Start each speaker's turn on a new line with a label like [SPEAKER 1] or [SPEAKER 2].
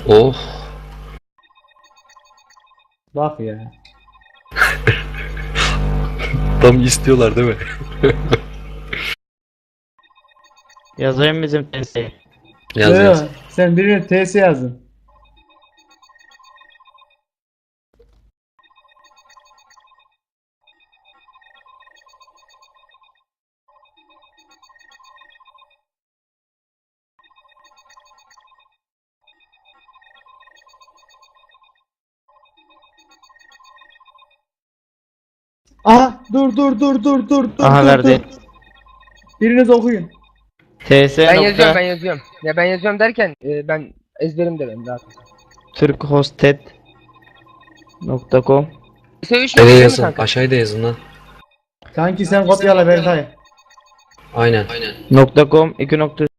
[SPEAKER 1] Oh.
[SPEAKER 2] Bak ya.
[SPEAKER 1] Tam istiyorlar değil mi?
[SPEAKER 3] Yazayım bizim testi.
[SPEAKER 1] Yaz
[SPEAKER 2] Yo,
[SPEAKER 1] yaz.
[SPEAKER 2] sen birine TS yazın. Aha dur.
[SPEAKER 3] Aha verdi.
[SPEAKER 2] Biriniz okuyun.
[SPEAKER 3] TS
[SPEAKER 4] Ben
[SPEAKER 3] nokta
[SPEAKER 4] yazıyorum, ben yazıyorum. Ya ben yazıyorum derken ben ezberimde benim zaten.
[SPEAKER 3] turkhosted.com
[SPEAKER 4] S3
[SPEAKER 1] Nereye
[SPEAKER 4] değil mi
[SPEAKER 1] yazın?
[SPEAKER 4] kanka?
[SPEAKER 1] Aşağıda yazın lan.
[SPEAKER 2] Kanki sen kopyala Berkay.
[SPEAKER 1] Aynen.
[SPEAKER 3] .com 2